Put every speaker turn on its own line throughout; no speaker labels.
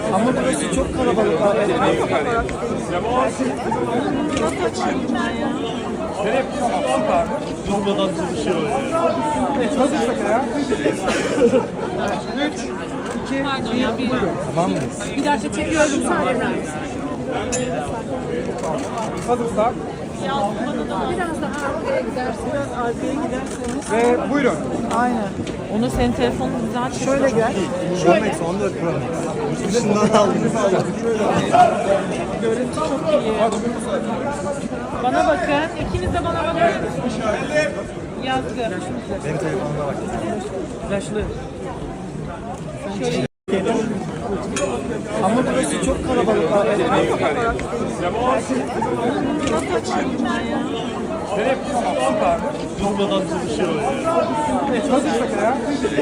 Ama burası çok kalabalık.
Durmadan çalışıyor ya.
Evet, hazırsak ya. 3, 2,
Pardon ya bir,
tamam mıyız?
bir dakika çekiyorum sadece.
Hazırsak.
Biraz daha arkaya gidersiniz. Biraz arkaya giderseniz.
Ve buyurun.
Aynen. Onu senin telefonun güzel çekiyor.
Şöyle gel.
Pro Max 14 Pro Max. Yurt dışından aldım.
Görüntü çok iyi. Bana bakın. İkiniz de bana bakın. Yazgı.
Benim telefonuma bak.
Flaşlı.
Ama burası çok kalabalık.
Durmadan çalışıyor ya.
Evet, hazırsak ya.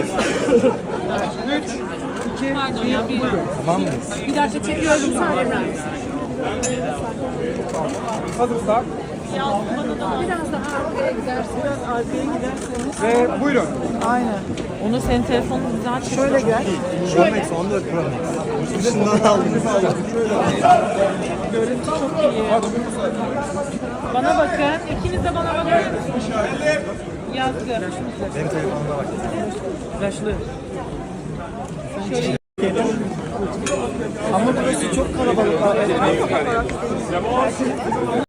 3, 2,
Pardon ya bir,
tamam mıyız?
bir dakika çekiyorum sadece.
Hazırsak.
Biraz daha arkaya gidersiniz. Biraz arkaya giderseniz.
Ve buyurun.
Aynen. Onu senin telefonun güzel çekiyor.
Şöyle gel.
Pro Max 14 Pro Max. Yurt dışından aldım.
Görüntü çok iyi. Bana bakın. İkiniz de bana bakın. Yazgı.
Benim telefonuma bak.
Flaşlı.
Ama burası çok kalabalık.